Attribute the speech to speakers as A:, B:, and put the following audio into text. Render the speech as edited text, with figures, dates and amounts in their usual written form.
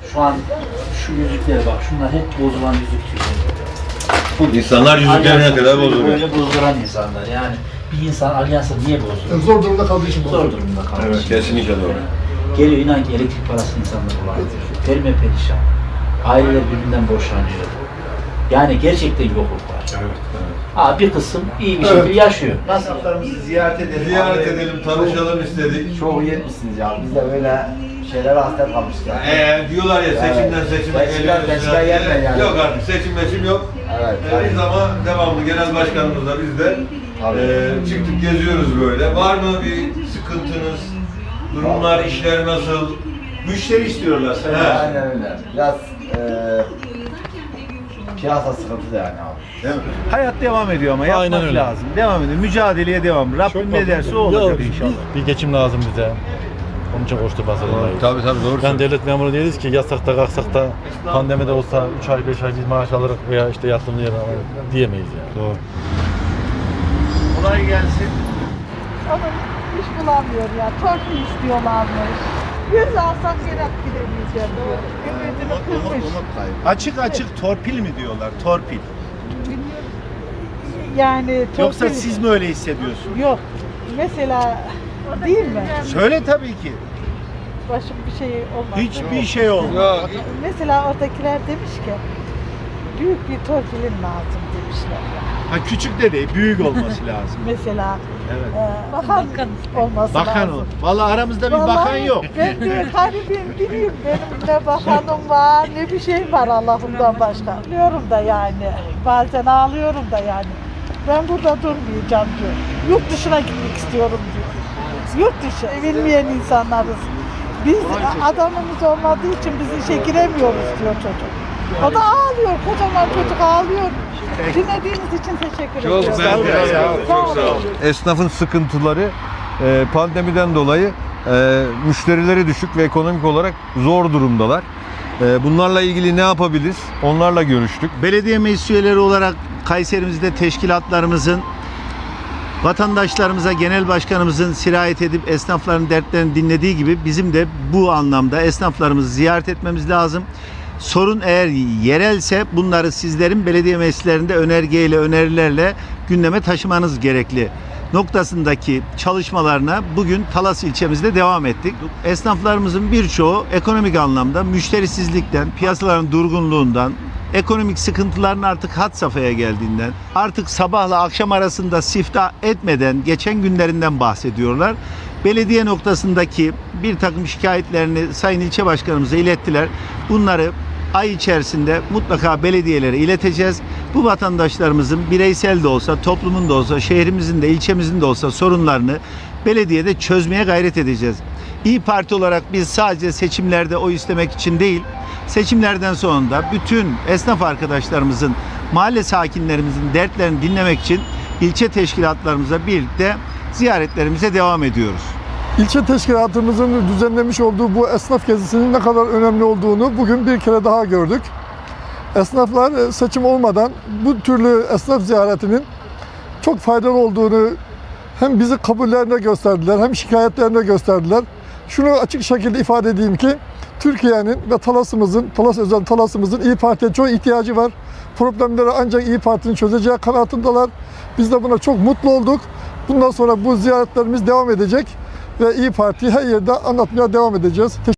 A: Şu an şu yüzüklere bak, şunlar hep bozulan yüzük.
B: İnsanlar yüzüklerine kadar bozuluyor.
A: Böyle bozduran insanlar yani. Bir insan alyansı niye bozuyor?
C: Zor durumda kaldığı için
A: Zor
C: bozuyor.
A: durumda kalmış.
B: Evet, kesinlikle doğru.
A: Geliyor inan ki elektrik parası insanlar kullanıyor. Perme perişan. Aileler birbirinden boşanıyor. Yani gerçekten yokluk var. Bir kısım iyi bir şekilde yaşıyor. Nasıl?
D: Esnaflarımızı ziyaret edelim.
B: Ziyaret edelim, tanışalım istedik.
D: Çok iyi etmişsiniz ya. Biz de böyle şeylere hasret kalmıştık.
B: Diyorlar ya seçimden seçime geliyoruz.
D: Seçimden gelme yani.
B: Yok artık seçim yok.
D: Evet.
B: Biz ama devamlı genel başkanımızla biz de çıktık geziyoruz böyle. Var mı bir sıkıntınız? Durumlar, işler nasıl? Müşteri istiyorlar.
D: Aynen öyle. Biraz piyasa sıkıntılı yani abi.
B: Değil mi?
E: Hayat devam ediyor ama yapmak
F: Aynen öyle.
E: lazım. Devam ediyor. Mücadeleye devam. Rabbim ne derse o olacak inşallah.
F: Bir geçim lazım bize. Onun için koşturmak zorundayız.
B: Tabii doğru.
F: Yani devlet memuru değiliz ki yasak da kalksak da pandemide olsa 3 ay 5 ay biz maaş alarak veya işte yatırımlı yer alarak diyemeyiz yani. Doğru.
E: Kolay gelsin.
G: Ama iş bulamıyor ya. Torpil istiyorlarmış. 100 alsam geri gidemeyeceğim diyor. Ümidini kırmış.
E: Açık açık torpil mi diyorlar? Torpil.
G: Yani torpil...
E: Yoksa siz mi öyle hissediyorsunuz?
G: Yok. Mesela değil mi?
E: Söyle tabii ki.
G: Başım bir şey olmaz.
E: Hiçbir şey olmaz.
G: Mesela oradakiler demiş ki büyük bir torpilin lazım demişler.
E: Ha küçük de değil, büyük olması lazım.
G: Mesela
E: Evet.
G: bakan olması
E: Bakan
G: lazım.
E: ol. Vallahi aramızda bir bakan
G: Vallahi
E: yok.
G: Ben de garibim bileyim benim ne bakanım var ne bir şey var Allah'ımdan başka. Biliyorum da yani bazen ağlıyorum da yani. Ben burada durmayacağım diyor. Yurt dışına gitmek istiyorum diyor. Yurt dışı bilmeyen insanlarız. Biz adamımız olmadığı için biz işe giremiyoruz diyor çocuk. O da ağlıyor, kocaman çocuk ağlıyor. Dinlediğiniz için teşekkür ediyorum.
B: Çok sağ olun. Esnafın sıkıntıları pandemiden dolayı müşterileri düşük ve ekonomik olarak zor durumdalar. Bunlarla ilgili ne yapabiliriz? Onlarla görüştük.
E: Belediye meclis üyeleri olarak Kayserimizde teşkilatlarımızın vatandaşlarımıza genel başkanımızın sirayet edip esnafların dertlerini dinlediği gibi bizim de bu anlamda esnaflarımızı ziyaret etmemiz lazım. Sorun eğer yerelse bunları sizlerin belediye meclislerinde önergeyle, önerilerle gündeme taşımanız gerekli noktasındaki çalışmalarına bugün Talas ilçemizde devam ettik. Esnaflarımızın birçoğu ekonomik anlamda müşterisizlikten, piyasaların durgunluğundan, ekonomik sıkıntıların artık had safhaya geldiğinden, artık sabahla akşam arasında siftah etmeden geçen günlerinden bahsediyorlar. Belediye noktasındaki bir takım şikayetlerini Sayın İlçe Başkanımıza ilettiler. Bunları ay içerisinde mutlaka belediyelere ileteceğiz. Bu vatandaşlarımızın bireysel de olsa, toplumun da olsa, şehrimizin de, ilçemizin de olsa sorunlarını belediyede çözmeye gayret edeceğiz. İYİ Parti olarak biz sadece seçimlerde oy istemek için değil, seçimlerden sonra da bütün esnaf arkadaşlarımızın, mahalle sakinlerimizin dertlerini dinlemek için ilçe teşkilatlarımıza birlikte ziyaretlerimize devam ediyoruz.
C: İlçe teşkilatımızın düzenlemiş olduğu bu esnaf gezisinin ne kadar önemli olduğunu bugün bir kere daha gördük. Esnaflar seçim olmadan bu türlü esnaf ziyaretinin çok faydalı olduğunu hem bizi kabullerine gösterdiler hem şikayetlerine gösterdiler. Şunu açık şekilde ifade edeyim ki Türkiye'nin ve Talas'ımızın İYİ Parti'ye çok ihtiyacı var. Problemleri ancak İYİ Parti'nin çözeceği kanaatindeler. Biz de buna çok mutlu olduk. Bundan sonra bu ziyaretlerimiz devam edecek ve İYİ Parti'yi her yerde anlatmaya devam edeceğiz.